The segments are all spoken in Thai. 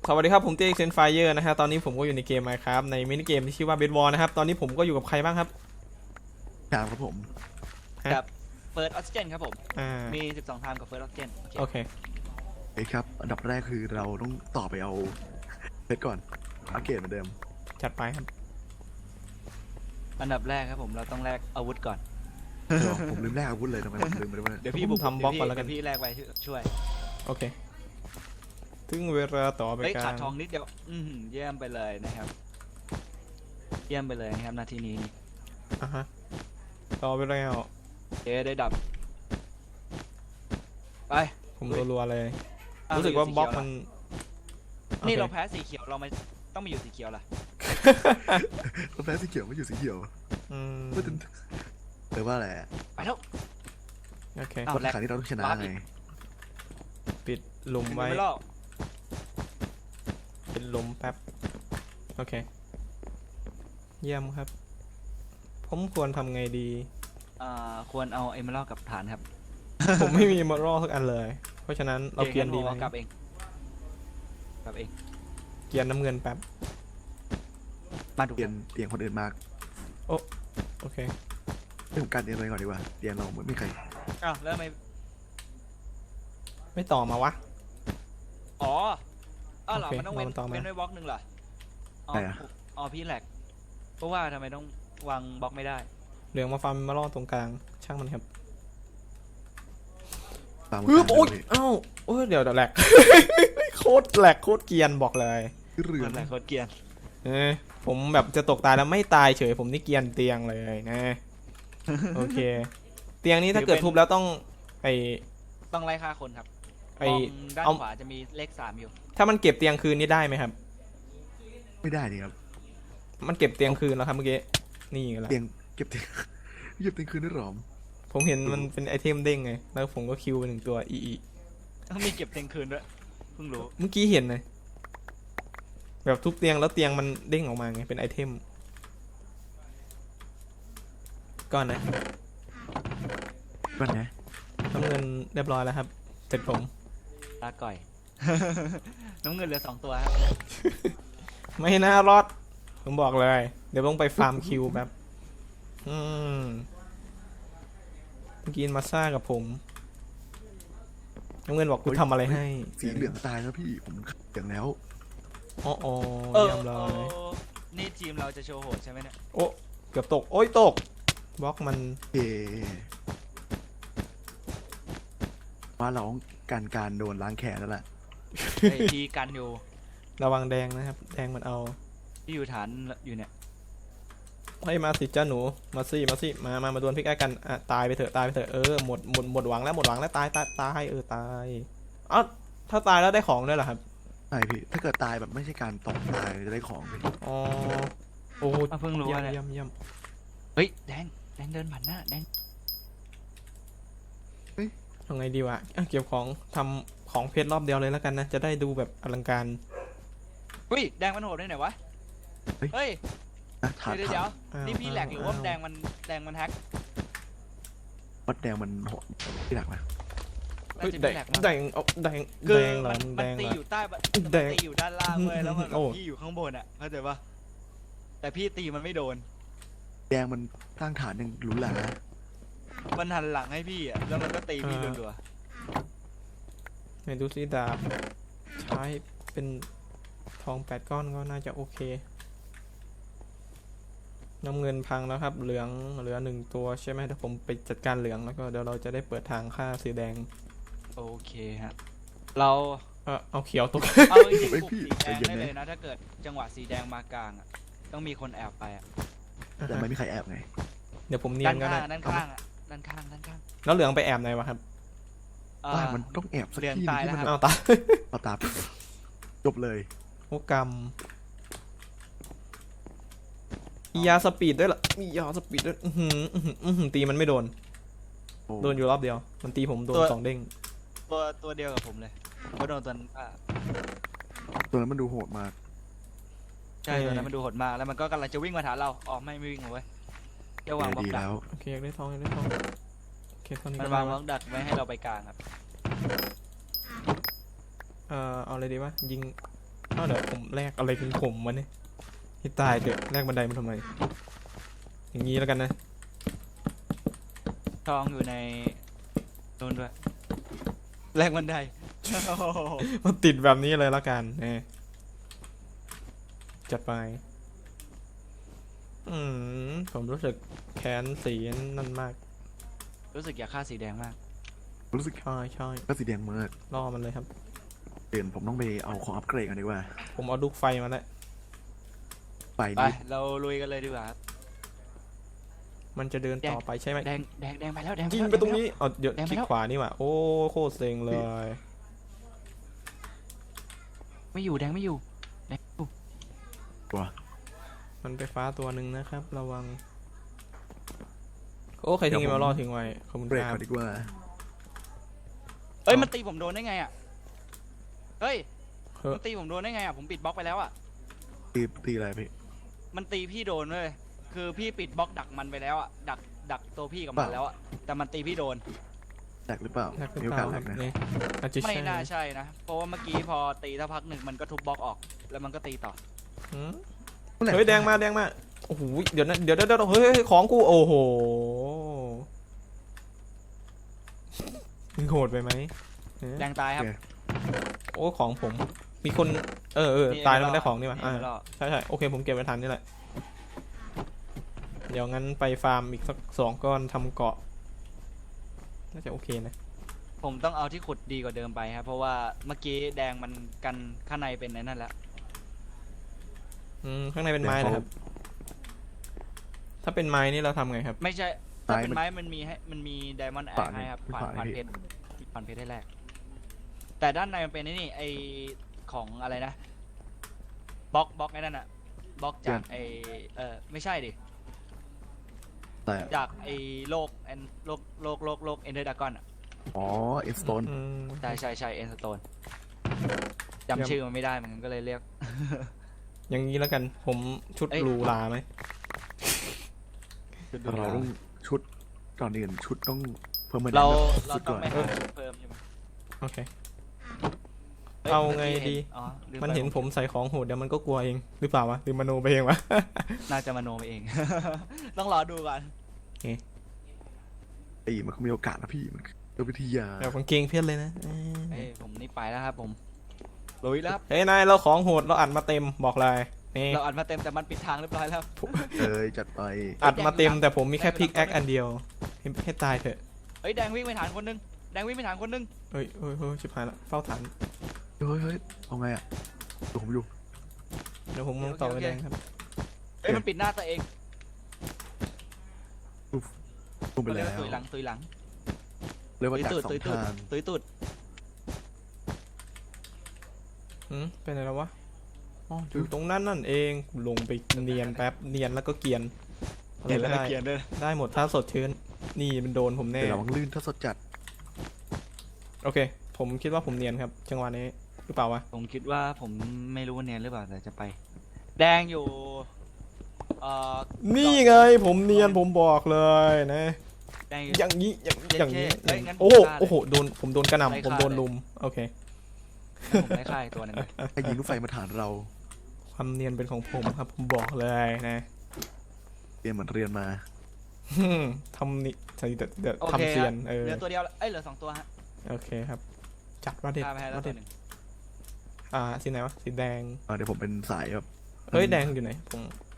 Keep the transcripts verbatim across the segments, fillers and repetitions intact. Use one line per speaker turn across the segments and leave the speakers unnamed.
สวัสดีครับผมเต้เซนไฟเยอร์นะฮะตอนนี้ผมก็อยู่ในเกม Minecraft ในมินิเกมที่ชื่อว่า Bed War นะครับตอนนี้ผมก็อยู่กับใครบ้างครับ
ครับครับผม
กับเฟิร์สออกซิเจนครับผม
อ่า
มีสิบสองไทม์กับเฟิร์สออกซิเจน
โอเค
เอ้ครับอันดับแรกคือเราต้องต่อไปเอาเพชรก่อนอัปเกรดเหมือนเดิม
จัดไปครับ
อันดับแรกครับผมเราต้องแลกอาวุธก่อน
เดี๋ยวผมลืมแลกอาวุธเลยทำไมผมลืมไปได้ไหม
เดี๋ยวพี่บุก
ทำบล็อกก่อนแล้วกัน
พี่แลกไปช่วย
โอเคถึงเวลาต่อไป
เฮ้ย
การ
ขาดทองนิดเดียวอืมเยี่ยมไปเลยนะครับเยี่ยมไปเลยนะครับนาทีนี้
อ่ะฮะต่อไปแล้ว
เจ๊ได้ดับไป
ผมรัวๆเลยรู้สึกว่าบล็อกมัน
นี่เราแพ้สีเขียวเราไม่ต้องมาอยู่สีเขียวล่ะ
เราแพ้สีเขียวไม่อยู่สีเขียว
อืม
แต่ว่าอะไร
ไปแล้ว
โอเค
คนขายที่เราต้องชนะไง
ปิดหลุมไว้เป็นหลุมแป๊บโอเคเยี่ยมครับผมควรทำไงดี
อ่าควรเอาเอเมอรัลกับฐานครับ
ผมไม่มีมอรอสักอันเลยเพราะฉะนั้นเราเกียนดีไหม
กลับเองกลับเอง
เกียนน้ำเงินแป๊บ
มาดู
เตียนเตียงคนอื่นมาก
โอ้โอเค
เรื่องการเตียงอะไรก่อนดีกว่าเตียงเราไม่มีใคร
อ้าวแล้วไม่
ไม่ต่อมาวะ
อ๋ออ้าวเหรอมันต้องเว้นเว้นไว้บล็อกหนึ่งเหรอ
ใช่อะ
อ๋อพี่แหลกเพราะว่าทำไมต้องวางบล็อกไม่ได้
เหลืองมาฟาร์มมาล่อตรงกลางช่างมันครับ
เฮ้ย
โอ๊ยเอ้าโอ้ยเดี๋ยวเดี๋ยวแหลกโคตรแหลกโคตรเกียนบอกเลย
เรือ
แหลกโคตรเกียน
เออผมแบบจะตกตายแล้วไม่ตายเฉยผมนี่เกียนเตียงเลยนะโอเคเตียงนี้ถ้าเกิดทุบแล้วต้องไอ
ต้องไล่ฆ่าคนครับ
ไอ
ด้านขวาจะมีเลขสามอยู่
ถ้ามันเก็บเตียงคืนนี่ได้ไหมครับ
ไม่ได้นี่ครับ
มันเก็บเตียงคืนแล้วครับเมื่อกี้นี่ไงล่ะ
เตียงเก็บเตียงเก็บเตียงคืนได้หรอ
ผมเห็นมันเป็นไอเทมเด้งไงแล้วผมก็คิวไปหนึ่งตัวอีอี
ต้องมีเก็บเตียงคืนด้วยเพิ่งรู้
เมื่อกี้เห็นเลยแบบทุบเตียงแล้วเตียงมันเด้งออกมาไงเป็นไอเทมก่อนนะ
ก่อนนะ
น้ำเงินเรียบร้อยแล้วครับเสร็จผม
ตาก่อยน้ำเงินเหลือสองตัวครับ
ไม่น่ารอดผมบอกเลยเดี๋ยวต้องไปฟาร์มคิวแบบอืมกินมาซ่ากับผมน้ำเงินบอกกูทำอะไรให้
สีเหลืองตายแล้วพี่ผมอย่างแล้ว
อ๋ออ๋อเยี่ยมเลย
นี่ทีมเราจะโชว์โหดใช่ไหมเนี่ย
โอ้เกือบตกโอ้ยตกบล็อกมัน
เอว่าเราการการโดนล้างแขนแล้วแหละ
ไอทีกันอยู่
ระวังแดงนะครับแดงมันเอา
ที่อยู่ฐานอยู่เนี่ย
ให้มาสิจ้าหนูมาสิมาสิมามามาดวลพิกไอ้กันอ่ะตายไปเถอะตายไปเถอะเออหมดหมดหมดหวังแล้วหมดหวังแล้วตายตายตายเออตายอ้าวถ้าตายแล้วได้ของด้วยเหรอครับ
ใช่พี่ถ้าเกิดตายแบบไม่ใช่การตกตายจะได้ของพี่
อ๋อโอ้
เพิ่งรู้ว่า
เยี่ยมเยี่ยม
เฮ้ยแดงแดงเดินผ่านหน้าแดง
เฮ้ยทำไงดีวะเก็บของทำของเพชรรอบเดียวเลยแล้วกันนะจะได้ดูแบบอลังการ
เฮ้ยแดงมันโหดได้ไหนวะเฮ้ยเดี๋ยวเดี๋ยวนี่พี่แหลกหรือว่าแดงมันแดงมันแฮก
วัดแดงมันโหดที่หลักนะ
เฮ้ยแดงแดงเอาแดงแดงหลังแดง
ตีอยู่ใต้แดงตีอยู่ด้านล่างเลยแล้วมันพี่อยู่ข้างบนอ่ะเข้าใจปะแต่พี่ตีมันไม่โดน
แดงมันสร้างฐานยังหลุนหลังนะ
มันหันหลังให้พี่อ่ะแล้วมันก็ตีพี่รัว
ๆในดูซิดาบใช้เป็นทองแปดก้อนก็น่าจะโอเคน้ำเงินพังแล้วครับเหลืองเหลือหนึ่งตัวใช่ไหมเดี๋ยวผมไปจัดการเหลืองแล้วก็เดี๋ยวเราจะได้เปิดทางฆ่าสีแดง
โอเคฮะเรา
เออเอาเขียวตก
เอาจริงๆสีแดงได้เลยนะถ้าเกิดจังหวะสีแดงมากลางอ่ะต้องมีคนแอบไปอ่ะ
แต่ไม่มีใครแอบไง
เดี๋ยวผมเนียนก็ได้
ด้านข้างด้านข้างด้านข้าง
แล้วเหลืองไปแอบไหนวะครับ
อ่ามันต้องแอบสักที่ที่มัน
เอาตา
เอาตาจบเลย
โอกรรมมียาสปีดด้วยล่ะมียาสปีดด้วยอือหืออือหือตีมันไม่โดนโดนอยู่รอบเดียวมันตีผมโดนสองเด้ง
ตัวตัวเดียวกับผมเลยก็โดนตัวอ่า
ตัวนั้นมันดูโหดมาก
ใช่ตัวนั้นมันดูโหดมากแล้วมันก็กำลังจะวิ่งมาถามเราอ๋อไม่ไม่วิ่งเอาไว้เดี๋ยววางบล็อกดัก
โอ
เคได้ทองได้ทองโอเคตอนนี้
มันวางบล็อกดักไว้ให้เราไปกลางครับ
เอ่อเอาอะไรดีวะยิงอ้าวเดี๋ยวผมแลกอะไรเป็นผมมาเนี่ยให้ตายเถอะแลกบันไดมาทำไมอย่างนี้แล้วกันนะ
ทองอยู่ในโดนด้วยแรงบันได
มันติดแบบนี้เลยแล้วกันนะจัดไปอืมผมรู้สึกแค้นสีนั่นมาก
รู้สึกอยากฆ่าสีแดงมาก
รู้สึก
ใช่ใช่
ก็สีแดงมาก
ล่อมันเลยครับ
เปลี่ยนผมต้องไปเอาของอัปเกรดกันดีกว่า
ผมเอาลูกไฟมาแล้ว
ไป
ไป
นี่
เราลุยกันเลยดีกว่าครับ
มันจะเดินต่อไปใช่ไหม
แดงแดงแดงไปแล้วแดง
ยิง
แล้ว
ไปตรงนี้อ๋อเดี๋ยว
แดงไป
คลิก
แล้ว
ขวานี่หว่าโอ้โคตรเซ็งเลย
ไม่อยู่แดงไม่อยู่แดงไม่อยู่
ตัว
มันไปฟ้าตัวหนึ่งนะครับ ระวังโอ้ใครทิ้งมาล่อทิ้งไว้ขอบคุณ
เบรก
ครั
ก่
บ
อนดีกว่า
เอ้ยมันตีผมโดนได้ไงอ่ะเฮ้ย
เฮ้ย
มันตีผมโดนได้ไงอ่ะผมปิดบล็อกไปแล้วอ่ะ
ตีตีอะไรพี่
มันตีพี่โดนเลยคือพี่ปิดบล็อกดักมันไปแล้วอ่ะดักดักตัวพี่กับมันแล้วอ่ะแต่มันตีพี่โดน
แตกหรือเปล่า
แลกเป็น
มีโอา
เปล่ากค
แต
รับ
กนะ
นี่อาจจะ
ไม่
ใช่
น่าใช่นะเพราะว่าเมื่อกี้พอตีถ้าพักหนึ่งมันก็ทุบบล็อกออก แล้วมันก็ตีต่อ
หืมเฮ้ยแดงมาแดงมาโอ้โหเดี๋ยวนะเดี๋ยวเดี๋ยวเดี๋ยวเฮ้ยเฮ้ยของกูโอ้โหมึงโหดไปไหมเอ๊ะ
แดงตายครับ
โอ้ของผม มีคนเออเออ
นี่
ตายแล้วมันได้ของนี่หว่า
นี่
อ่า
ไม่รอด
ใช่ใช่โอเคผมเก็บไว้ทันนี่แหละเดี๋ยวงั้นไปฟาร์มอีกสักสองก้อนทำเกาะน่าจะโอเคนะ
ผมต้องเอาที่ขุดดีกว่าเดิมไปครับเพราะว่าเมื่อกี้แดงมันกันข้างในเป็นไอ้นั่นแล้ว
อืมข้างในเป็นไม้นะครับ ถ้าเป็นไม้นี่เราทำไงครับ
ไม่ใช่ถ้าเป็นไม้มันมีให้มันมีไดมอนด์แอร์ให้ครับผ่านผ่านเพชรผ่านเพชรได้แรกแต่ด้านในมันเป็นไอ้นี่ไอของอะไรนะบล็อกบล็อกไอ้นั่นอะบล็อกจากไอเออไม่ใช่ดิ
แต่
จากไอโลกแอนโลกโลกโลกโลกเอนเดอร์ดากอนอะ
อ๋อเอ็นสโตน
อืม
ใช่ใช่ใช่เอ็นสโตนจำชื่อมันไม่ได้เหมือนกันก็เลยเรียก
อย่างนี้แล้วกัน ผมชุด
เอ้ย
หรูหราไหม
เราต้องชุดก่อนอื่นชุดต้องเพิ่มมา
เรา
ชุ
เรา
ด
ต้อ
ก่
ง
อน
ไปหาชุดเพิ่มใช่ไหม
โอเค
ฮ้ย
เอาไง
มื่กี้
ดี
อ๋อลืไป
มันเห็นผมใส่ของโหดเดี๋ยวมันก็กลัวเองหรือเปล่าวะหรือมโนไปเองวะ
น่าจะมโนไปเอง ต้องรอดูก่อน
ไอ้มันก็มีโอกาสนะพี่มันเป็นวิทยา
เดี๋ยวกางเกงเพี้ยนเลยนะเออ
เอ้ยผมนี่ไปแล้วครับผมลุยแล้วครับ
เฮ้ยนายเราของโหดเราอัดมาเต็มบอกเลยนี่
เราอัดมาเต็มแต่มันปิดทางเรียบร้อยแล้ว
เอ้ยจัดไป
อัดมาเต็มแต่ผมมีแค่พิกแอคอันเดียวให้ให้ตายเถอะ
เฮ้ยแดงวิ่งไปฐานคนนึงแดงวิ่งไปฐานคนนึง
เฮ้ยเฮ้ยเฮ้ยชิบหายละเฝ้าฐาน
เฮ้ยเฮ้ยเอาไงอ่ะดูผมอยู่
เดี๋ยวผมมองต่อไปแดงครับ
เฮ้ยมันปิดหน้าตัวเอง
ลงไป
เขาเรีย
แล้
ก
ว
ว่าตุยหลังตุยหลัง
เรียกว่า
ตุย
จาก
ตูด
สอ
ตุ
ง
ยตูด
ทาง
ตุยตูด
อืมเป็นอะไรแล้ววะอ๋ออยู่ตรงนั้นนั่นเองลงไปเนียนแป๊บเนียนแล้วก็เกรียนอะไร
เห็น
ก็
แล้ว
ได้
เกียนด้วย
ได้หมดถ้าสดชื่นนี่มันโดนผมแน่
เดี๋ยวเราวังลื่นถ้าสดจัด
โอเค ผมคิดว่าผมเนียนครับจังหวะนี้หรือเปล่าวะ
ผมคิดว่าผมไม่รู้ว่าเนียนหรือเปล่าแต่จะไป แดงอยู่เอ่อ
นี่ไงผมเนียนผมบอกเลยนะ
แดงอยู่
อย่างนี้อย่างอย่างนี้
เอ้ยงั้น
โอ้โห
ผมฆ่าเลย
โอ้โหโดนผมโดนกระห
ไล่
น่ำผม
ฆ่า
โดน
เลย
ลุมโอเค
ผมได้ค่ายตัวหนึงเลย
ให้ยิงลูกไฟมาฐานเรา
ความเนียนเป็นของผมครับผมบอกเลยนะ
เรียนเหมือนเรียนมา
ฮึ่มทำนี่ใช่เดี๋ยวเดี๋ยว
โอเค
ทำเซียน
ครับ
เออ
เหลือตัวเดียวละเอ้ยเหลือสองตัวฮะ
โอเคครับ จัดว่าเด็ด
ฆ่าไปให้แล้ว
ว่า
ตั
เด็
ว
ด
หนึ่ง
อ่าสีไหนวะสีแดง
อ่าเดี๋ยวผมเป็นสายแบบ
เฮ้ยแดงอยู่ไหนผม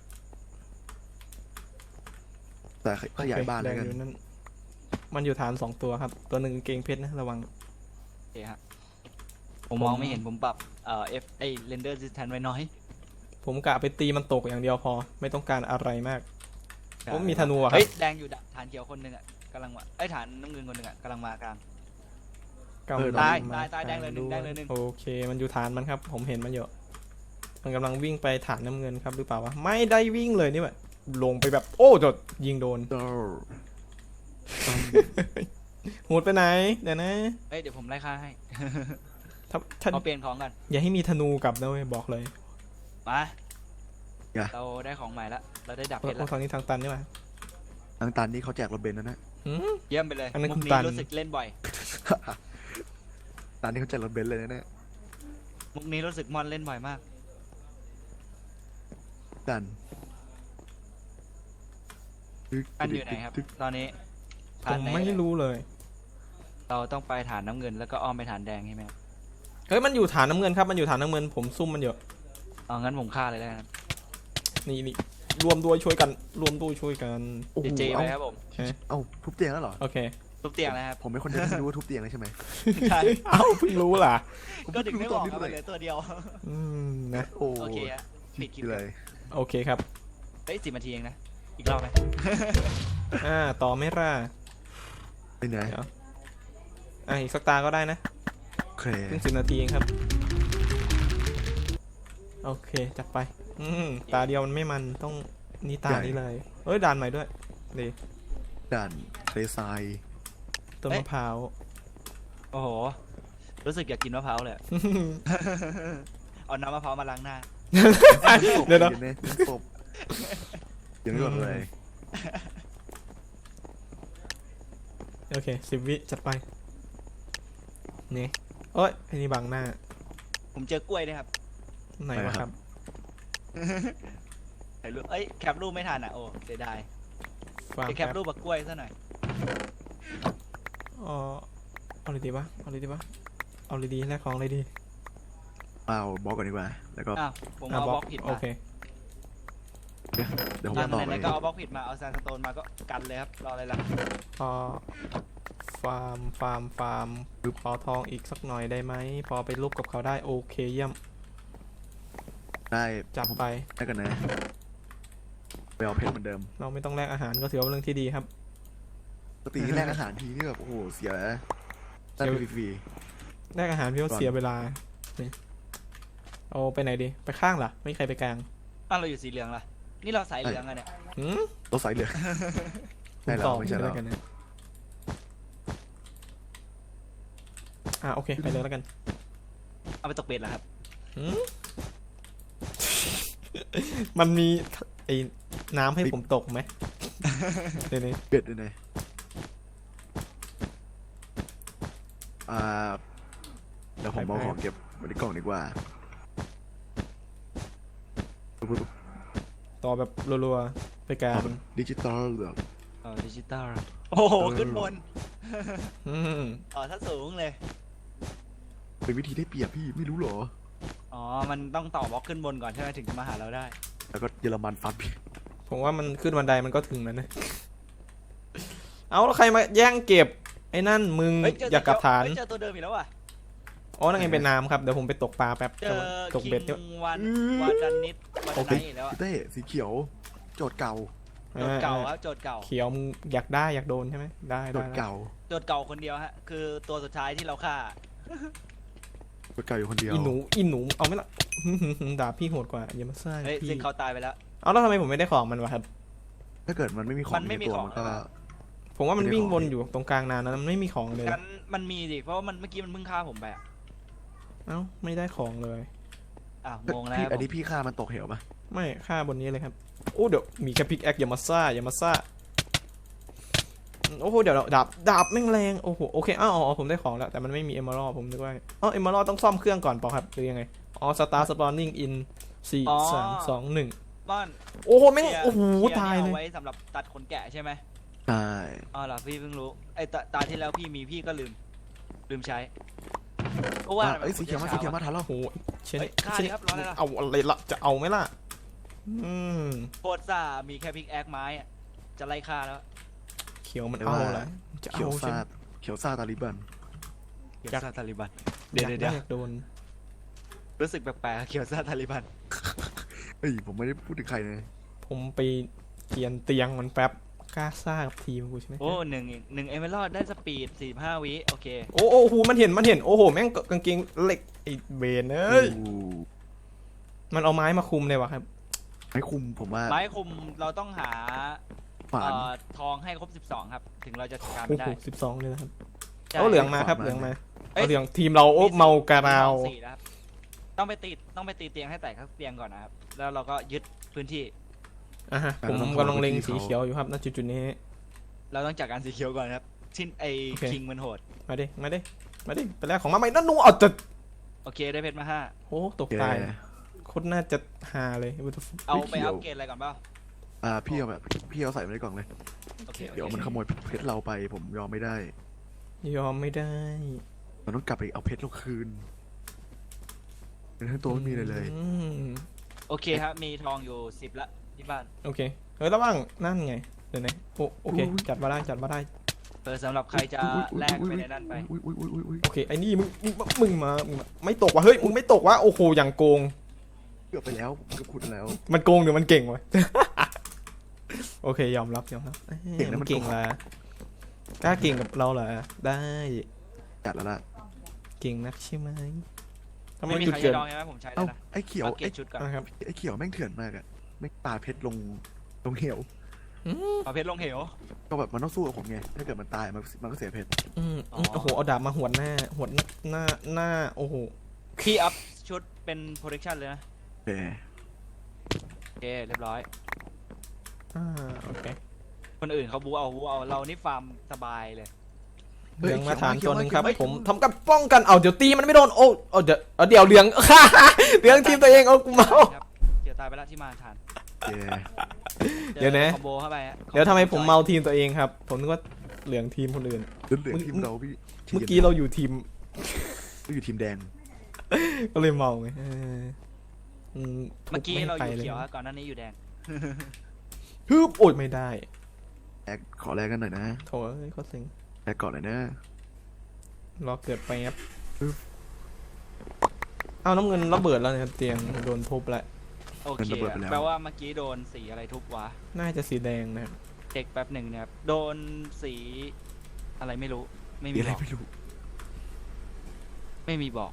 สายขยายบ้าน
โอ
แล้
คว แด
กั
ง
น
อยู่นั่นมันอยู่ฐานสองตัวครับ ตัวหนึ่งเกงเพชรนะระวัง
โอเคฮะผมมองไม่เห็นผมปรับเอ่อ F ไอ้ render distance ไว้น้อย
ผมกะไปตีมันตกอย่างเดียวพอ ไม่ต้องการอะไรมาก ผมมีธนูอะครับ
เฮ้ยแดงอยู่ดะฐานเขียวคนหนึ่งอ่ะกำลังมาไอ้ยฐานน้ำเงินคนหนึ่งอ่ะกำลังมากลาง
กำลัง
ตาย
ม
ตายตายแดงเลยหนึ่ง
ว
แดงเลยหนึ่ง
โอเค มันอยู่ฐานมันครับ ผมเห็นมันอยู่มันกำลังวิ่งไปฐานน้ำเงินครับหรือเปล่าวะไม่ได้วิ่งเลยนี่แบบลงไปแบบ โอ้จดยิงโดน
เจ้า
โหดไปไหนเดี๋ยวนะ
เฮ้ยเดี๋ยวผมไล่ฆ่าให้
ถ้าถ้า
เอาเปลี่ยนของกัน
อย่าให้มีธนูกลับนะเว้ยบอกเลย
มาเราได้ของใหม่ละเราได้ดับเพชร
โอ้
ละ
ทางนี้ทางตันนี่หว่า
ทางตันนี่เขาแจกรถเบนซ์นะนะ
หืม
เยี่ยมไปเลย
อันนั้น
มุ
คุ
ก
ณ
นี้
ตัน
รู้สึกเล่นบ่อย
ตันนี่เขาแจกรถเบนซ์เลยนะเนี่ย
มุกนี้รู้สึกมอนเล่นบ่อยมาก
ดัน
อันอยู่ไหนครับ ตอนนี้
ผ
ฐาน
ม
ไหน
ไม่รู้เลย
เราต้องไปฐานน้ำเงินแล้วก็อ้อมไปฐานแดงใช่ไหมครับ
เฮ้ยมันอยู่ฐานน้ำเงินครับมันอยู่ฐานน้ำเงินผมซุ่มมันอยู่
เอางั้นผมฆ่าเลยแล้วกัน
นี่นี่รวมด้วยช่วยกันรวมด้วยช่วยกัน
โอ้โห
เจเจไป
เอา
ครับผม
เอ๊ะ
เอาทุบเตียงแล้วเหรอ
โอเค
ทุบเตียงนะครับ
ผมเป็นคนเดียวที่รู้ว่าทุบเตียงเลยใช่ไหม
ใช่
เอ้าเพิ่งรู้ล่ะ
ก็ถึงได้บอกครับมันเหลือตัวเดียว
อืมนะ
โอ้
โอเคฮะปิดคลิป
เลย
โอเคครับ
เฮ้ยสิบนาทีเองนะ อีกรอบไหม
อ่าต่อไม่ล่ะ
ไปไหน
เดี๋ยวอ่ะอีกสักตาก็ได้นะ
โอเค
เพิ่งสิบนาทีเองครับโอเคจัดไปอืมตาเดียวมันไม่มันต้องนี่ตานี้เลยเอ้ยด่านใหม่ด้วยดี
ด่านทะเลทราย
ต้นมะพร้าว
โอ้โห รู้สึกอยากกินมะพร้าวเลยอะ เอาน้ำมะพร้าวมาล้างหน้า
เดี๋ยวนะ
เนะศพยังไม่หมดเลย
โอเคสิบวิจัดไปนี่เอ้ยไอ้นี่บังหน้า
ผมเจอกล้วยด้วยครับ
ไหนวะครับ
ถ่ายรูปเอ้ยแคปรูปไม่ทันอ่ะโอ้เสียดาย
ฟาร์ม
จะแคปรูปบักกล้วยซะหน่อย
อ๋อเอาเลยดีปะเอาเลยดีปะเอาเลยดีแลกของเลยดี
เอาบล็อกก่อนดีกว่า แล้วก็
อ้าวผม
อ่ะ
เอา
บบ ล็
ล็
อ
อก กผิด
โอ
มา
เค
เดี๋ยวผม
นั่
จะ
น
ต่อ
ไห
ไป
นๆก็เอาบล็อกผิดมาเอาแซนสโตนมาก็กันเลยครับรออะไรล่ะ
พอฟาร์มฟาร์มฟาร์มขอทองอีกสักหน่อยได้ไหมพอไปรูปกับเขาได้โอเคเยี่ยม
ได้
จับไป
ได้กันนะไปเอาเพชรเหมือนเดิม
เราไม่ต้องแลกอาหารก็ถือว่าเป็นเรื่องที่ดีครับ
ปกติที่แรกอาหารทีนี่แบบโอ้โหเสียได้ฟรี
แลกอาหารพี่ว่า
ก่อน
เสียเวลานี่เอาไปไหนดีไปข้างล่ะไม่มีใครไปกลาง
อ้าวเราอยู่สีเหลืองล่ะนี่เราสายเหลืองอะเนี่ย
หืม
ๆเราใส่เหลืองใช่แล้
ต
ว
อบ
ไม่ใช่
ด้
แล้ว
กันนะอ่ะโอเคไปเลยแล้วกัน
เอาไปตกเบ็ดเหรอครับ
หืม มันมีไอ้น้ำให้ผมตกไหมเดี๋ยวนี้
เบ็ดด้วยนะอ่าเดี๋ยวผมเอาของเก็บไว้ในกล่องดีกว่า
ต่อแบบรัวๆไปกลาง
ดิจิตอลแบบ
เออดิจิตอลโอ้โห
เออ
ขึ้นบน
อืม
อ๋อถ้าสูงเลย
เป็นวิธีได้เปรียบพี่ไม่รู้เหรอ
อ๋อมันต้องต่อบล็อกขึ้นบนก่อนใช่ไหมถึงจะมาหาเราได้
แล้วก็เยอรมันฟันพี่
ผมว่ามันขึ้นบันไดมันก็ถึงแล้วนะ เอาแล้วใครมาแย่งเก็บ ไอ้นั่นมึง
เฮ้ยเจอ
อยากกลับฐาน
เฮ้ยเจอตัวเดิมอีกแล้วอ่ะ
อ๋อนั่นไงเป็นน้ำครับ เดี๋ยวผมไปตกปลาแป๊บ
เจอ
ตก
คิ
เบ็ด
ง
เนี่ย
วัน
อื้อ
วันดันนิดวันดันไนท์อีกแล้วอะ
เต้สีเขียว โจทย์เก่า
โจทย์เก่าครับโจทย์เก่า
เขียวมึงอยากได้อยากโดนใช่ไหมได้
โจ
ได้
ทย์
ได้
เก่า
โจทย์เก่าคนเดียวฮะคือตัวสุดท้ายที่เราฆ่า
โจทย์เก่าอยู่คนเดียว
อีหนูอีหนูเอาไหม่ละ ด่าพี่โหดกว่าอย่ามาซ่า
เฮ้ย
พี่
ซึ่งเขาตายไปแล้ว
เอาแล้วทำไมผมไม่ได้ของมันวะครับ
ถ้าเกิดมันไม่มีของ
มันไม่มี
ในตัว
ของ
มันก็
ผมว่ามัน
ไม่ได้
วิ่ง
ของ
วนอยู่ตรงกลางนานนะมันไม่มีของเลย
งั้นมันมีดิเพราะว่ามันเมื่อกี้มันเพิ่งฆ่าผมไปอะ
เอ้าไม่ได้ของเลย
อ่ะงงแล้ว
พี่
ครับ
อัน
ผม
นี้พี่ฆ่ามันตกเหวปะ
ไม่ค่าบนนี้เลยครับโอ้เดี๋ยวมีแค่พิกแอคอย่ามาซ่าอย่ามาซ่าโอ้โหเดี๋ยวดาบดาบแม่งแรงโอ้โหโอเคอ้าวอ๋อผมได้ของแล้วแต่มันไม่มีเอมเมอรัลผมนึกว่าอ๋อเอมเมอรัลต้องซ่อมเครื่องก่อนเปล่าครับหรือยังไงอ๋อสตาร์สปอนนิ่งอินสี่สามสองหนึ่ง
บ้าน
โอ้โหแม่ง
เคลียร์
โอ้โห
เคลีร์
ตาย
นี่
เลย
เอาไว้สำหรับตัดขนแกะใช่ไหม
ใช่
อ๋อเหรอพี่เพิ่งรู้ไอ้ตาตาที่แล้วพี่มีพี่ก็ลืม ลืมใช้เพราะว่า
อ่ะเอ้ยสีเขียวมาสีเขียวมาทันแล้ว
โอ้โหเชน
เฮ้ยฆ่า
เชน
ดิครับรออะไรล่ะ
เอาอะไรละจะเอาไหมล่ะอืม
โคตรซ่ามีแค่พิกแอคไม้อะจะไล่ฆ่าแล้ว
เขียวมันเอาอะไรจะ
เขีย
เอา
ว
ใช่
ซา
ไหม
ดเขียวซาดตาลิบัน
เขียว
อยาก
ซาตาลิบัน
อ
เดี๋ยวย
าก
เดี๋ยว
ได้
เดี๋ยว
อยากโดน
รู้สึกแปลกๆเขียวซาตาลิบัน
เฮ้ยผมไม่ได้พูดถึงใครเลย
ผมไปเกียนเตียงมันแป๊บกล้าซ่ากับทีมกูใช่ไหม
โอ้หนึ่งหนึ่งเอเมอรัลได้สปีดสี่ห้าวิโอเค
โอ้โอ้โหมันเห็นมันเห็นโอ้โหแม่งกางเกงเหล็กไอ้เบนเอ้ย
โอ้
มันเอาไม้มาคุมเลยวะครับ
ไม่คุมผมว่า
ไม้คุมเราต้องหา
ฝาน
เอ่อทองให้ครบสิบสองครับ ถึงเราจะจัดการ
โอ้
ไม่
โห
ได้
สิบสองเลยนะครับ
ใช่
เอาเหลืองมาครับ
ขวามา
เหลืองมา
เอ้ย
เอาเหลืองทีมเราโอ้เมากะราว
สี่นะครับต้องไปตีต้องไปตีเตียงให้แตกทั้งเตียงก่อนนะครับ แล้วเราก็ยึดพื้นที่
อ่ะฮะผมกำลังเล็งสีเขียวอยู่ครับณจุดจุดๆนี้
เราต้องจัดการสีเขียวก่อนครับชิ้นไอ
โอเค
คิงมันโหด
มาดิมาดิมาดิไปแรกของมาใหม่นั่นหนูเอาจะ
โอเคได้เพชรมาห้า
โอ้ตก
โอเค
ตายคโคตรน่าจะฮาเลย What the fuck
เอาไปอัปเกรดอะไรก่อนเปล่า
อ่าพี่เอาแบบพี่เอาใส่ไว้ในกล่องเลย
โอเคโอเค
เดี๋ยวมันขโมยเพชรเราไปผมยอมไม่ได้
ยอมไม่ได้
เราต้องกลับไปเอาเพชรเราคืนเป็นทั้งตัวไม่มีเลยเลย
อืม
โอเคครับมีทองอยู่สิบละที่บ้าน
โอเคเฮ้ยระวังนั่นไงเดี๋ยวนะโอโอเคจัดมาได้จัดมาได้
เออสำหรับใครจะแลกไปในนั่นไป
อุ้ยอุ้ยอุ้ยอุ้ย
โอเคไอ้นี่มึงมึงมึงมามึงมาไม่ตกว่ะเฮ้ยมึงไม่ตกว่ะโอ้โหอย่างโกง
เกือบไปแล้วผมเกือบขุดแล้ว
มันโกงหรือมันเก่งวะ โอเคยอมรับยอมรับอ้ย
เก่งนะมัน
เก่งละกล้าเก่งกับเราเหรอได้
จัดแล้วล่ะ
เก่งนักใช่ไหมทำไม
ไม่มี
จุด
ใคร
เกิด
จะดองใช่ไหมผมใช้ได้
เอ้า
นะ
ไอ้เขียว
อัปเกร
ไอ้
ดชุดก่อน
นะครับ
ไอ้เขียวแม่งเถื่อนมากอะไม่ปาเพชรลงลงเหว
เอาเพชรลงเหว
ก็แบบมันต้องสู้กับผมไงถ้าเกิดมันตายมันมันก็เสียเพชร
อืม
อ๋อ
โอ้โหเอาดาบมาหวดหน้าหวดหน้าหน้าโอ้โห
พี่อัพชุดเป็น protection เลยนะ
แหม
โอเคเรียบร้อย
อ่าโอเค
คนอื่นเขาบูเอาบูเอาเรานี่ฟาร์มสบายเลย
เหลืองมาฐานตัวหนึ่งครับผมทำการป้องกันเอาเดี๋ยวตีมันไม่โดนโอ้เอาเดี๋ยวเอาเดี๋ยวเหลือง เหลืองทีมตัวเองเอากูเมา
ครับเดี๋ยวตายไปแล้วที่มาทาน
แหม
เดี๋ยวนะ
คอมโบเข้าไปฮะ
เดี๋ยวทำไมผมเมาทีมตัวเองครับ ผมนึกว่าเหลืองทีมคนอื่น
เหลือเหลือทีมเราพี่
เมื่อกี้เราอยู่ทีม
เราอยู่ทีมแดง
ก็เลยเมาไงเอออืม
เมื่อกี้เราอยู่
ทุบไม่
เขียว
ให้
ฮะก่อนหน้านี้อยู่แดง
ฮึบโอ้ยไม่ได้
แอกขอแลกกันหน่อยนะ
โถเอ้ยเขาสิง
แลกก่อนหน่อยนะ
รอเกิดไปครับเอาน้ำเงินระเบิดแล้วเนี่ยเตียงโดนทุบแล้ว
โอเคแปลว่าเมื่อกี้โดนสีอะไรทุบวะ
น่าจะสีแดงนะครับ
เช็คแป๊บหนึ่งนะครับโดนสีอะไรไม่รู้ไม่
มี
มี
อะไร
บอก
ไม่รู้
ไม่มีบอก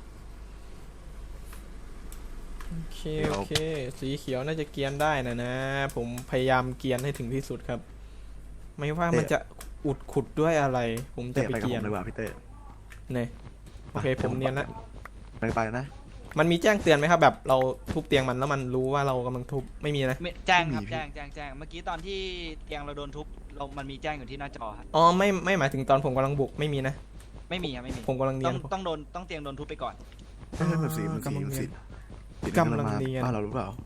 โอเคโอเค สีเขียวน่าจะเกียนได้นะนะ ผมพยายามเกียนให้ถึงที่สุดครับ ไม่ว่ามันจะอุดขุดด้วยอะไร ผมจะ
เตะ
ไป
ไปกับ
เกี
ผ
ยน
มเลยว่ะพี่เต้
เนี่ยโอเคผมเนียนละ
ไปไปนะ
มันมีแจ้งเตือนไหมครับ แบบเราทุบเตียงมันแล้วมันรู้ว่าเรากำลังทุบไม่มีนะ
ไม่แจ้งครับแจ้งแจ้งแจ้งเมื่อกี้ตอนที่เตียงเราโดนทุบเรามันมีแจ้งอยู่ที่หน้าจอครับ
อ๋อไม่ไม่หมายถึงตอนผมกำลังบุกไม่มีนะ
ไม่มีครับไม่มี
ผมกำลังเนี
ต้
ย
อน งต้องโดนต้องเตียงโดนทุบไปก่อน
ไม่ใช่มันสีมันสีมันสี
กำลังเนียน
บ้านเราหรือเปล่า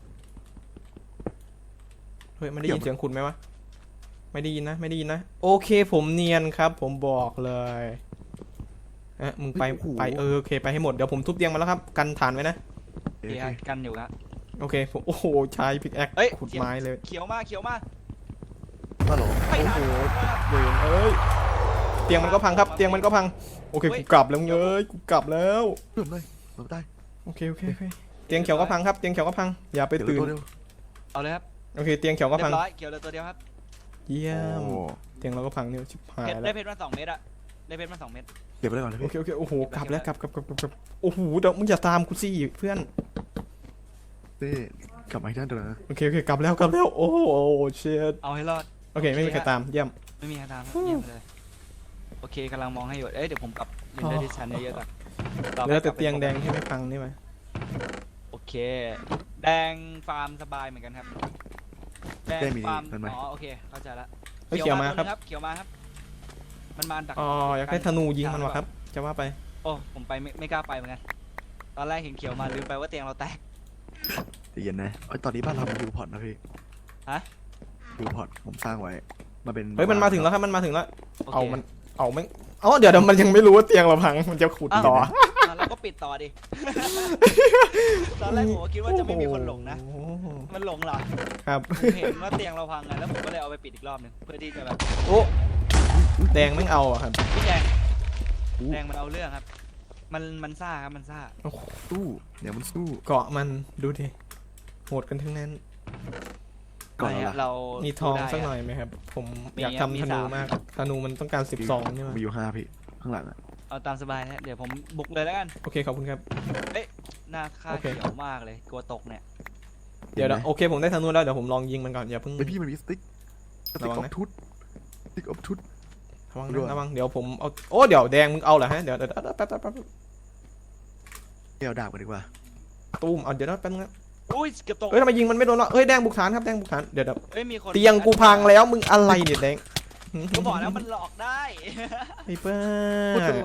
เฮ้ยมันได้ยินเสียงคุณไหมวะไม่ได้ยินนะไม่ได้ยินนะโอเคผมเนียนครับ ผมบอกเลยเอ๊ะมึงไปไปเออโอเคไปให้หมดเดี๋ยวผมทุบเตียงมาแล้วครับกันฐานไว้นะ
โอ
ดี
เค
ฮะกันอยู่ครับ
โอเคผมโอ้โหใช้พิกแอค
เอ้ย
ขุดไม้เลย
เขียวมากเขียวมาก
บ้านเรา
ไปไหน
โอ้โหเวรเอ้ยเตียงมันก็พังครับเตียงมันก็พังโอเคกูกลับแล้วเอ้ยกูกลับแล้ว
เริ่มเลยเราได้
โอเคโอเคโอเคเตียงเขียวก็พังครับเตียงเขียวก็พังอย่าไป
เดี๋ยว
ตื่น
ตัวเดียว
เอาเลยครับ
โอเคเตียงเขียวก็
เรีย
พัง
บร้อยเขียวเหลยตัวเดียวครับ
เยี่ยม
โอ้
เตียงเราก็พังเนี่ยชิบหาย
เพชร
แล้
ได้
ว
เพชรมาสองเม็ดอะได้เพชรมาสองเม็ด
เก็บไปเลยก่อนเลย
โอ
พี่
เคโอเคโอ้โหกลับแล้วกลับกลับกลับกลับกลับโอ้โหเดี๋ยวมึงอย่าตามกูสิเพื่อน
เต้กลับมาที่นั่นเถอะนะ
โอเคโอเคกลับแล้วกลับแล้วโอ้โหเชียด
เอาให้รอด
โอเคไม่มีใครตามเยี่ยม
ไม่มีใครตามครับเยี่ยมเลยโอเคกำลังมองให้อยู่เอ้ยเดี๋ยวผมปรับเรนเดอร์ดิสชันเยอะๆก่อนต่อไป
เหลือแต่
กลับไป
เตียงแดงที่ไม่พังนี่ไหม
โอเค แดงฟาร์มสบายเหมือนกันครับแดงฟาร์มอ๋อโอเคเข้าใจละ
เฮ้ยเขียวมาครับ
เขียวมาครับ มันมาดัก
อ๋ออยากได้ธนูยิงมันวะครับจะว่าไป
โอ้ผมไปไม่ไม่กล้าไปเหมือนกันตอนแรกเห็นเขียวมาลืมไปว่าเตียงเราแตก
ใจเย็นนะเอ้ยตอนนี้บ้านเราเป็นยูพอร์ตนะพี่
ฮะ
ยูพอร์ตผมสร้างไว้มาเป็น
เฮ้ยมันมาถึงแล้วครับมันมาถึงแล้ว
โอเค
เอามันเอาไม่อ๋อเดี๋ยวเดี๋ยวมันยังไม่รู้ว่าเตียงเราพังมันจะขุดต่อ
อ่ะเราก็ปิดต่อดิ ตอนแรกผมก็คิดว่าจะไม่มีคนหลงนะ
โอ้โห
มันหลงเหรอ
ครับ
ผมเห็นว่าเตียงเราพังไงแล้วผมก็เลยเอาไปปิดอีกรอบหนึงเพื่อที่จะแบบ
โอ้แดงไม่งเอาอะครับ
พี่แดงแดงมันเอาเรื่องครับ มันมันซ่าครับมันซ่า
โอ้โห
สู้เดี๋ยวมันสู้
เกาะมันดูดิโหดกันทั้งนั้น
ก่อน
ไม่
เรา
ฮะ
ล่ะ
เรา
มี
มี
ทองสักหน่อยไหมครับ ผม
มี
อยาก
ครับมี
ทำธนู
สาม
มากธนูมันต้องการสิบสองใช่ไหม
มีอยู่ห้าพี่ข้างหลังอ่ะ
เอาตามสบายนะเดี๋ยวผมบุกเลยแล้วกัน
โอเคขอบคุณครับ
หน้าค่า
โอเค
เขียวมากเลยกลัวตกเนี่ย
เดี๋ยวเดี๋ยวโอเคผมได้ธนูแล้วเดี๋ยวผมลองยิงมันก่อนอย่าเพิ่ง
ไอยพี่มันมีสติ๊กสติ๊ก
ระ
อ
วัง
อฟ
นะ
ทุตสติ๊กออฟทุต
ระวัง
ด้วย
นะระวังเดี๋ยวผมเอาโอ้เดี๋ยวแดงมึงเอาเหรอฮะเดี๋ยวเดี๋ยวเดี๋ยวแป๊บแป๊บแป๊บ
เดี๋ยวดาบกันดีกว่า
ตุ้มเอาเดี๋ยวนะแป๊บนึงนะ
อุ้ยเกือบตก
เอ้ยทำไมยิงมันไม่โดนวะเอ้ยแดงบุกฐานครับแดงบุกฐานเดี๋ยวเดี๋ยว
เอ้ยมีคน
เตียงกูพังแล้วมึงอะไรเนี่ยแดง
ก็บอกแล้วมันหลอกได้
ไอ้เป้า
โคตรจะหลอก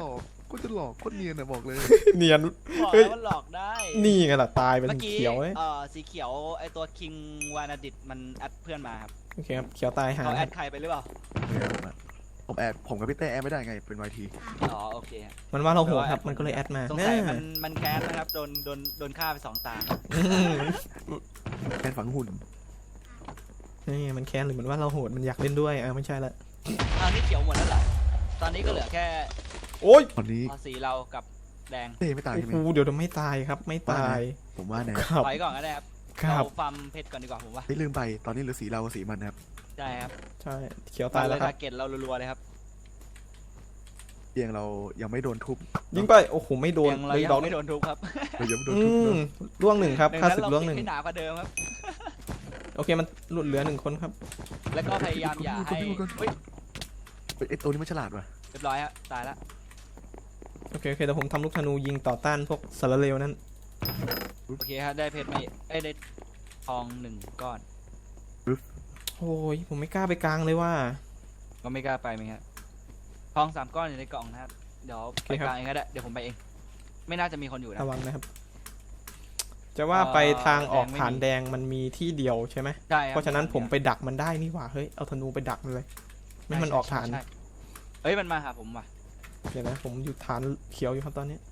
ก็จะหลอกโคตรเนียนอะบอกเลย
เนียน
บอก
เฮ้ย
แล้วมันหลอกได้
นี่ไงล่ะตายเป็น
เมื่อกี้
เขียวเอ้ย
เอ่อสีเขียวไอตัวคิงวานาดิตมันแอดเพื่อนมาครับ
โอเคครับเขียวตายหา
เขาแอดใครไปหรือเปล่า
ผมแอบผมกับพี่เต้แอบไม่ได้ไงเป็นวายที
อ๋อโอเคครับ
มันว่าเราโหดครับมันก็เลยแอดมา
สงสัยมันมันแคสนะครับโดนโดนโดนฆ่าไปสองตา
อืม
แอนฝังหุ่น
นี่มันแค้นหรือมันว่าเราโหดมันอยากเล่นด้วยอ่ะไม่ใช่ละ
อ้าวนี่เขียวหมดแล้วเหรอตอนนี้ก็เหลือแค่
โอ้ย
ตอนนี้
อ๋อสีเรากับแดง
เต้ไม่ตาย
โอ้
ใช่ไหม
โหเดี๋ยวเดี๋ยวไม่ตายครับไม่ตาย
ผมว่านะ
ครับ
ถอยก่อนก็ได้ครับ
ครับ
เราฟาร์มเพชรก่อนดีกว่าผมว่า
ไม่ลืมไปตอนนี้เหลือสีเรากับสีมันนะครับ
ใช่ครับ
ใช่เขียว
ตา
ตาย ย
แล้
แล้ว วค
ทา
รับ
ร์เก็ตเรารัวๆเลยครับ
เตียงเรายังไม่โดนทุบ
ยิงไปโอ้โหไม่โดน
ยังเรา
เลย
ยัง
ดอก
ไม่โดนทุบครับ
เรายังไม่โดน
อื
ทุบ
ม
เนอะ
ล่วงหนึ่งครับ
ดัง
ค่า
นั้น
ศึก
เรา
ล่วง
ปิ
ห
ด
นึ่ง
ให้หนากว่าเดิมครับ
โอเคมันหลุดเหลือหนึ่งคนครับ
แล้วก็พยายามอย่าให้เฮ้ย
เฮ้ยไอ้ตัวนี้มันฉลาดว่ะ
เรียบร้อยฮะตายละ
โอเคโอเคแต่ผมทำลูกธนูยิงต่อต้านพวกสารเลวนั้น
โอเคครับได้เพชรมาเอ้ยได้ทองหนึ่งก้อน
โอ้ยผมไม่กล้าไปกลางเลยว่า
ก็ไม่กล้าไปไหมครับทองสามก้อนอยู่ในกล่องนะครับเดี๋ยวไป
โอเคครับ
กลางเองก็ได้เดี๋ยวผมไปเอง ไม่น่าจะมีคนอยู่นะ
ระวังนะครับ จะว่าไปทางออกฐานแดงมันมีที่เดียวใช่ไหม
ใช่คบ
เพราะฉะนั้นผมไปดักมันได้นี่หว่าเฮ้ยเอาธนูไปดักมันเลย ไม่ให้มันออกฐาน
ใช่เอ้ยมันมาหาผมว่ะ
เดี๋ยวนะผมอยู่ฐานเขียวอยู่ครับตอนนี้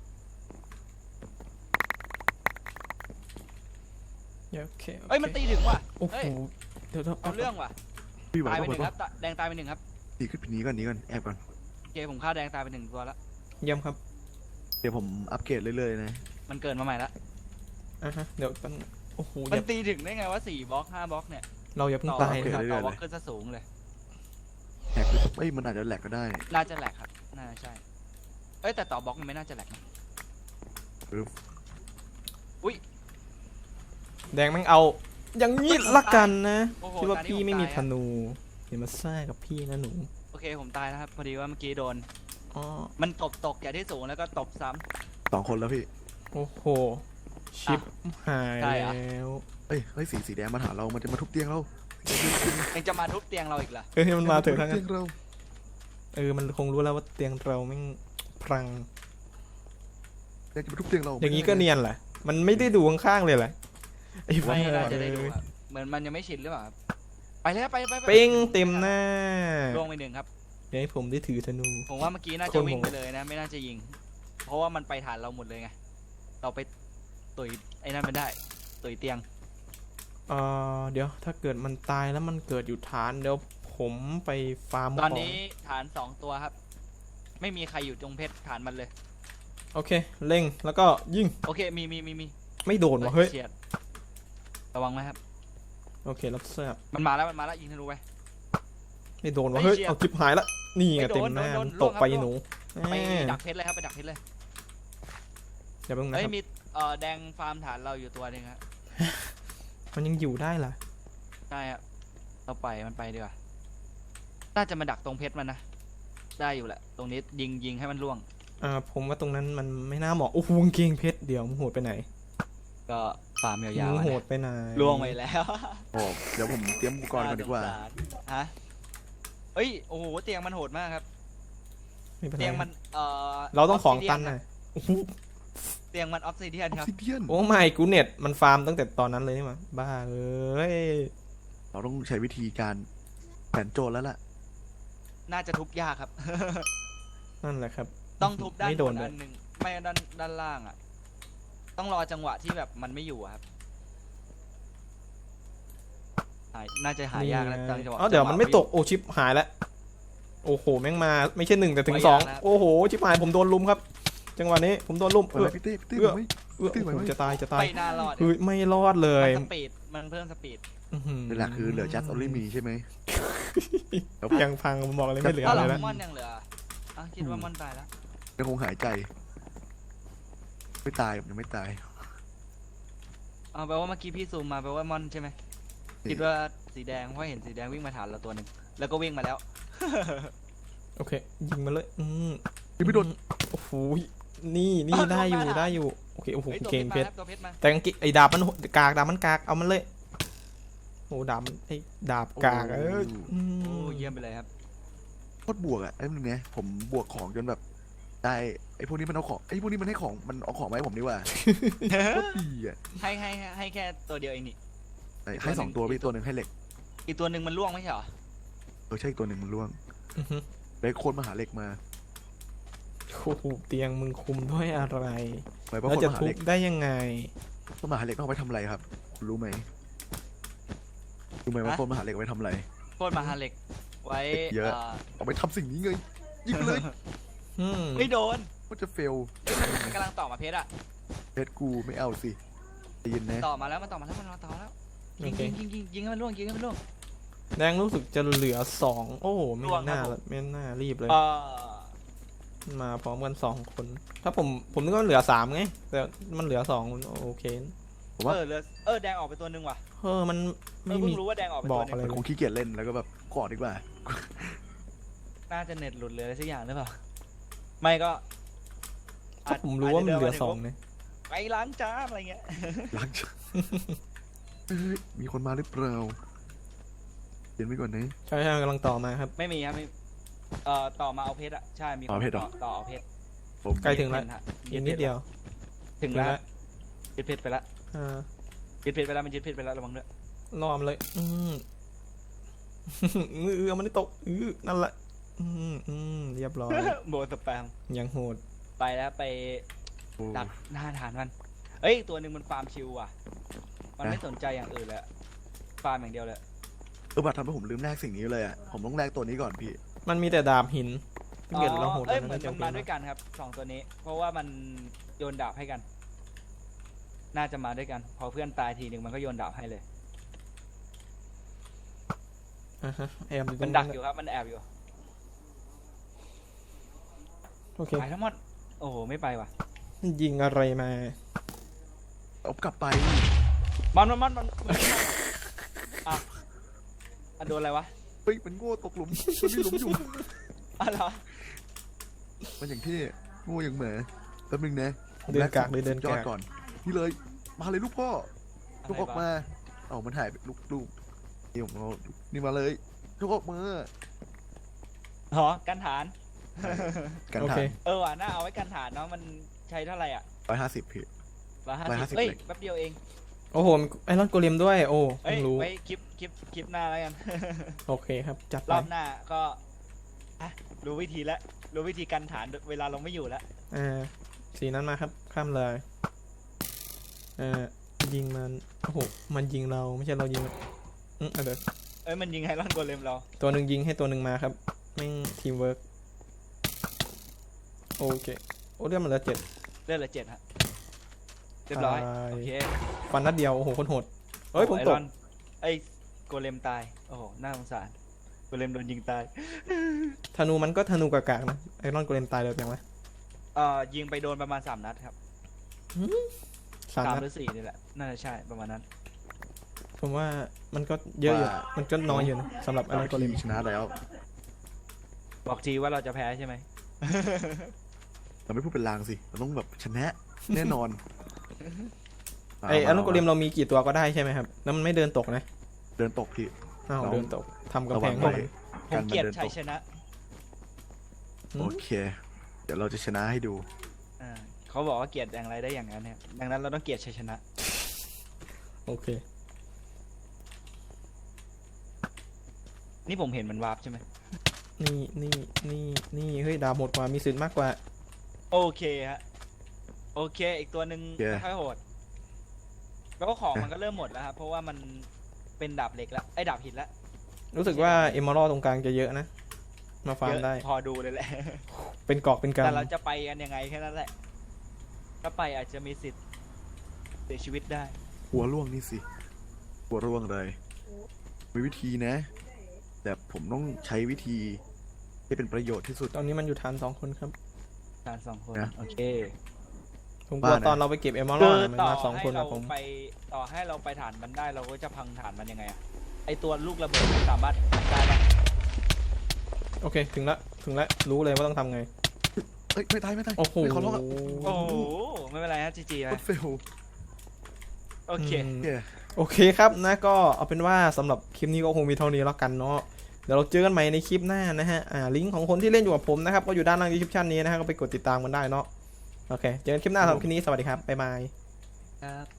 โอเคโอ
เอ้ย
เค
มันตีถึงว่ะ
โอ้โห
เฮ้ย
เดี๋ยวเดี๋ยว
เอาเรื่องว่ะ
พี่ไหว
ตายไป
ปะ
หนึ่ง
ไหว
ครับ
ปะ
ตะแดงตายไปหนึ่งครับ
หนีขึ้นหนีก่อนหนีก่อนแอบก่อน
โอเคผมฆ่าแดงตายไปหนึ่งตัวแล้ว
เยี่ยมครับ
เดี๋ยวผมอัปเกรดเรื่อยๆนะ
มันเกิดมาใหม่ละ
อ่ะฮะเดี๋ยวมันโอ้โห
มั
อน ย่า
ตีถึงได้ไงว่าสี่บล็อกห้าบล็อกเนี่ย
เราอย่าเพิ่ง
ต่อ
ตายนะครับ
ต่อบล็อกขึ้นซะสูงเลย
แหกเอ้ยมันอาจจะแหลกก็ได้
น่าจะแหลกครับน่าจะใช่เอ้ยแต่ต่อบล็อกมันไม่น่าจะแหลกนะ
แดงแม่งเอาอย่างนี้ละกันนะ
โอ้โห
คิดว่า
ตอนนี้
พี่
ผม
ไม่มี
ตาย
ธ
อะ
นูอย่ามาซ่ากับพี่นะหนู
โอเคผมตายแล้วครับพอดีว่าเมื่อกี้โดน
อ๋อ
มันตบตกจากที่สูงแล้วก็ตบซ้
สองคนแล้วพี่
โอ้โหชิปหาย
ใช่เหรอ
แล้ว
เอ้ยเฮ้ยสีสีแดงมาหาเรา มันจะมาทุบเตียงเรา
ำยังจะมาทุบเตียงเราอีกเหรอ
เอ้ยมันมาเถอะทั้ง
เตี
นั้
ย
น
งเรา
เออมันคงรู้แล้วว่าเตียงเราแม่งพรัง
อยากจะมาทุบเตียงเรา
อย่างนี้ก็เนียนแหละมันไม่ได้ดูข้างๆเลยแหละไอ้บ้า
ไม่น่าจะได้ดูครับเหมือนมันยังไม่ชินหรือเปล่าครับไปแล้วไปไปไป
เป้งเต็มหน้า
ล่วงไปหนึ่งครับ
เดี๋ยวให้ผมได้ถือธนู
ผมว่าเมื่อกี้น่า
ค
จะ
น
วิ่ง
ผม
ไปเลยนะ ไม่น่าจะยิง เพราะว่ามันไปฐานเราหมดเลยไงเราไปตุยไอ้นั่นมันได้ตุยเตียง
เออเดี๋ยวถ้าเกิดมันตายแล้วมันเกิดอยู่ฐานเดี๋ยวผมไปฟาร์ม
ตอน
ของ
นี้ฐานสองตัวครับ ไม่มีใครอยู่ตรงเพชรฐานมันเลย
โอเคเล็งแล้วก็ยิง
โอเคมีมีมีมี
ไม่โดนวะเฮ้ย
เฉียดระวังไหมครับ
โอเครับทราบ
มันมาแล้วมันมาแล้วยิงธนูไป
ไม่โดนวะ
เฮ้
เฮ้
ย
ย
เชี่ย
เอาจิบหายละนี่ไง
ไม่โด
เต็ม
น
หน้า
โดน
มัน
โดน
ตกไป
ล่วงครับ
หนู
ไป
แม่
ดักเพชรเลยครับไปดักเพชรเลย
เดี๋ยวเพิ่งนะ
เอ้ย
ครับ
มีเอ่อแดงฟาร์มฐานเราอยู่ตัวหนึงครับ
มันยังอยู่ได้ล่ะ
ใช่ครับเราไปมันไปดีกว่าน่าจะมาดักตรงเพชรมันนะได้อยู่แหละตรงนี้ยิงยิงให้มันล่วง
อ่าผมว่าตรงนั้นมันไม่น่าเหมาะโอ้โหกางเกงเพชรเดี๋ยวมึงโหดไปไหน
ก็ฟาร์มยาว
มึง
ๆ
โห
นะ
ดไปไหน
ล่วงไปแล้ว
โอ้เดี๋ยวผมเตรียมอุปกรณ์ก่อนดีกว่า
น่สงสรฮะเอ้ยโอ้โหเตียงมันโหดมากครับ
ไม่เป็นไร
เตียงมันเอ่อ
เราต้องของตัน
นะ
นะโอ้โห
เตียงมันออฟซิเดียนครับ
ซิเดียน
โอ้ไม่กูเน็ตมันฟาร์มตั้งแต่ตอนนั้นเลยนี่หว่าบ้าเอ้ย
เราต้องใช้วิธีการแผนโจรแล้วล่ะ
น่าจะทุบยากครับ
นั่นแหละครับ
ต้องทุบด้าน
ไม่
บ
โด
น
นเล
อั
ย
นหนึ่งไม่ด้านด้านล่างอ่ะ ต้องรอจังหวะที่แบบมันไม่อยู่อะครับหายน่าจะหายากแล้วตอนจังหวะ
อ๋อเดี๋ยว
จังหวะ
มันไม่ตกโอ้ชิปหายแล้วโอ้โหแม่งมาไม่ใช่หนึ่งแต่ถึง
ไม่
สอง
ยากนะครับ
โอ้โหชิปหายผมโดนลุมครับ จังหวะนี้ผมโดนลุม
เอ
เอ
อ
อ
พี่เต้พี่เต้
เอื้อ
ไหม
เออ
ตื้อไหวไหม
โอ้โหจะตายจะตาย
ไม่น่ารอด
เฮ้ยไม่รอดเลย
มันสปีดมันเพิ่มสปีด
อื้อหือ
นี่แหละคือเหลือจัสออลลี่มีใช่ไหม
ยังพังผมบอกเลยไม่เหลือ
ถ้า
อะไร
เรา
แล้ว
มอนยังเหลืออ่ะคิดว่ามอนตายแล้ว
ยังคงหายใจ ไม่ตายยังไม่ตาย
เอาแปลว่าเมื่อกี้พี่ซูมมาแปลว่ามอนใช่ไหมคิดว่าสีแดงเพราะเห็นสีแดงวิ่งมาฐานเราตัวหนึ่งแล้วก็วิ่งมาแล้ว
โอเคยิงมาเลยอืม
ยังไม่โดน
โอ้โหนี่นี่ได้อยู่ได้อยู่โอเคโอ้โห
เฮ้ยตัว
เก่ง
เพช
เพ
ร
ชร
มาครับตัวเพชรมา
แต่กางเกงไอ้ดาบมันกากดาบมันกากเอามันเลยโอ้ดาบมันไอ้ดาบกากเอออื
โอ้
ม
เยี่ยมไปเลยครับ
โคตรบวกอ่ะไอ้นึงนะผมบวกของจนแบบใจได้ไอ้พวกนี้มันเอาของไอ้พวกนี้มันให้ของมันเอาของมาให้ผมดีกว่าโคตรดีอ่ะ
ให้ให้ให้แค่ตัวเดียวเองนี่
ไหนให้สองตัวพี่ตัวหนึ่งให้เหล็ก
อีกตัวหนึ่งมันล่วงไม่ใช่เหรอ
เออใช่อีกตัวหนึ่งมันร่วง
อือฮึ
ไปโคนมาหาเหล็กมา
โอ้โหเตียงมึงคุมด้วยอะไร
ไปเพราะ
แล้ว
คน
จะ
มาหา
ทุ
เห
บ
ล็ก
ได้ยังไง
คนมาหาเหล็กต้องเอาไปทำอะไรครับคุณรู้ไหมรู้ไหมว่าคนมาหาเหล็กเอาไปทำอะไร
โคตรมหาเหล็กไว้
เยอะ
อ่า
เอาไปทำสิ่งนี้ไงยิงไปเลย
อืม
ไม่โดน
ว่าจะเฟล
มันกำลังต่อมาเพชรอะ
เพชรกูไม่เอาสิใจเย็นนะ
ต่อมาแล้วมันต่อมาแล้วมันต่อแล้ว
โอ
ยิง
เค
ยิงยิงยิงยิงให้มันล่วงยิงให้มันล่วง
แดงรู้สึกจะเหลือสองโอ้โหไม่
ล่วงครับ
น่า
ผม
ละไม่น่ารีบเลย
เออ
มาพร้อมกันสองคน ถ้าผมผมนึกว่าเหลือสามไง แต่มันเหลือสองโอเค
ผมว่า
เออเหลือเออแดงออกไปตัวหนึ่งว่ะ
เออมัน
เอ
ไม่
อเพิ่
มี
งรู้ว่าแดงออกไป
บ
ตั
อ
ว
ก
หนึ่
อะไร
ง
มันคงขี้เกียจเล่นแล้วก็แบบกอดดีกว่า
น่าจะเน็ตหลุดเลยอะไรสักอย่างหรือเปล่าไม่ก็
ถ้าผมรู้ว่ามันเหลือสองเนี่ย
ไปล้างจานอะไรเงี้ย
ล้างจานเฮ้ยมีคนมาหรือเปล่าเย็นไว้ก่อนนะ
ใช่ใช่กำลังต่อมาครับ
ไม่มีครับไม่เอ่อต่อมาเอาเพชรอะใช่มีคน
เอาเพชรเหรอ
ต่อต่อเอาเพชร
ผม
ใกล้ถึงแล้ว
ฮะ
อีกนิดเดียว
ถึงแล้วยึดเพชรไปแล้ว
อ่า
ยึดเพชรไปแล้วมันยึดเพชรไปแล้วระวังด้วย
รอมเลย อืม เออมันได้ตกอือนั่นแหละ อืมอืมเรียบร้อย
โบสแปม
ยังโหด
ไปแล้วไป
โอ้
ดักหน้าฐานมันเอ้ยตัวหนึ่งมันฟาร์มชิวว่ะ มันไม่สนใจอย่างอื่นเลยอะฟาร์มอย่างเดียวเลย
เออบัตรทำให้ผมลืมแลกสิ่งนี้เลยอ่ะผมต้องแลกตัวนี้ก่อนพี่
มันมีแต่ดาบหินถ้าเกิดเราโหด
เอ้ย
แล้ว
เหมือน
จะ
มันมาด้วยกันครับสองตัวนี้ เพราะว่ามันโยนดาบให้กัน น่าจะมาด้วยกัน พอเพื่อนตายทีหนึ่งมันก็โยนดาบให้เลย
อ่าฮะแอบอยู่ตร
มัน
ง
ดักอยู่ครับ มันแอบอยู่
โอเค
ไปทั้งหมดโอ้โหไม่ไปว่ะ
ยิงอะไรมา
เอากลับไป
มันมันมันมันมันอ่ะอ่ะโดนอะไรวะ
เฮ้ยมันโง่ตกหลุมมันมีหลุมอยู่
อ่ะเหรอ
มันอย่างที่โง่อย่างเหมือแป๊บนึงนะผม
เดิน
แล
กากเลยเดิน
ยอด
กาก
ก่อนนี่เลยมาเลยลูกพ่อ
อะไร
ลูกออก
วะ
มาเอ้ามันหายไปลูกลูกนี่ผมเอานี่มาเลยลูกออกมา
อ๋อกันฐาน
กัน
โอ
ทา
เค
ง
เออว่ะน่าเอาไว้กันฐานเนาะ มันใช้เท่าไหร่อ่ะ
ร้อยห้าสิบพี่
ร้อยห้า
ร้อยห้าสิ
สิ
บบ
เอ้ย
เหล็ก
แป๊บเดียวเอง
โอ้โหไอรอนโกเลมด้วย โอ้
เอ้
เพิ่
ย
งรู้
ไว้คลิปคลิปคลิปหน้าแล้วกัน
โอเคครับ จัดไป
รอบหน้าก็อ่ะรู้วิธีแล้วรู้วิธีกันฐานเวลาลงไม่อยู่แล้ว
อ่าสีนั้นมาครับ ข้ามเลยอ่ายิงมัน โอ้โห มันยิงเราไม่ใช่เรายิงมันอืมเอาเดี๋ยว
เอ้ยมันยิงไฮรอนโกเลมเรา
ตัวหนึ่งยิงให้ตัวหนึ่งมาครับแม่งทีมเวิร์กโอเค โอ้เรื่องมันเหลือเจ็ด
เลือดเหลือเจ็ดฮะเรียบร้อย
ตาย
โอเค
ฟันนัดเดียว โอ้โห คนโหด เฮ้ย ผม
ไอ
ต
ร
ก
อนไอ้โกเลมตาย โอ้โห น่าสงสาร โกเลมโดนยิงตาย
ธนูมันก็ธนูกากๆนะ ไอรอนโกเลมตายเลยยังไง
เอ่อยิงไปโดนประมาณสามนัดครับ
สาม
สาม
นัด
หรือสี่นี่แหละ น่าจะใช่ประมาณนั้น
ผมว่ามันก็เยอะอยู่ มันก็น้อยอยู่นะสำหรับไอรอนโกเลม
ชนะแล้ว
บอกทีว่าเราจะแพ้ใช่ไหม
เราไม่พูดเป็นลางสิเราต้องแบบชนะแน่นอน
ไอไอรอนโกเลมเรามีกี่ตัวก็ได้ใช่ไหมครับ แล้วมันไม่เดินตกนะ
เดินตกพี่
อ้าว
เรา
เดินตกทำกำ
ระ
แพ
วั
ง
ง
ให้
ไว้
มัน
ผมเกลียดชัยชนะ
อืม
โอเค เดี๋ยวเราจะชนะให้ดู
อ่าเขาบอกว่าเกลียดอย่างไรได้อย่างนั้นเนี่ยดังนั้นเราต้องเกลียดชัยชนะ
โอเค
นี่ผมเห็นมันวาร์ปใช่ไหม
นี่นี่นี่นี่เฮ้ยดาบหมดกว่ามีสิทธิ์มากกว่า
โอเคฮะ โอเค อีกตัวหนึ่ง
โอเค
ไม่ค่อยโหด แล้วก็ของมันก็เริ่มหมดแล้วครับ เพราะว่ามันเป็นดาบเหล็กแล้ว ไอ้ดาบหินแล้ว
รู้สึกว่าเอมอรัลตรงกลางจะเยอะนะ มาฟาร์
เย
ม
อะ
ได้
พอดูเลยแหละ
เป็นกอกเป็นก
แต่เราจะไปกันยังไงแค่นั้นแหละ ถ้าไปอาจจะมีสิทธิ์เสียชีวิตได้
หัวร่วงนี่สิ หัวร่วงเลย มีวิธีนะ แต่ผมต้องใช้วิธีที่เป็นประโยชน์ที่สุด
ำตอนนี้มันอยู่ฐานสองคนครับ
การสองคน
นะ
โอเค
ผมกลัว
บ้านะ
ตอนเราไปเก็บเอมอรั
คื
ล
อ
มัน
ต่อ
มาสอง
ให้
คน
เรา
กับผม
ไปต่อให้เราไปฐานมันได้เราก็จะพังฐานมันยังไงอะไอตัวลูกระเบิดมันสามารถได้ปะ
โอเค ถึงละ ถึงละ รู้เลยว่าต้องทำไง
เอ้ยไม่ตายไม่ตาย
โอ้โห
ไม่เขาล็อกอะ
โอ้โห ไม่เป็นไรฮะจีจี
โค
นะ
ตรเฟล
โอเค
อืม
เย้
โอเคครับนะก็เอาเป็นว่าสำหรับคลิปนี้ก็คงมีเท่านี้แล้วกันเนาะเดี๋ยวเราเจอกันใหม่ในคลิปหน้านะฮะอ่าลิงก์ของคนที่เล่นอยู่กับผมนะครับก็อยู่ด้านล่าง description นี้นะฮะก็ไปกดติดตามกันได้เนาะโอเคเจอกันคลิปหน้าสำหรับคลิปนี้สวัสดีครับบ๊ายบาย
ครับ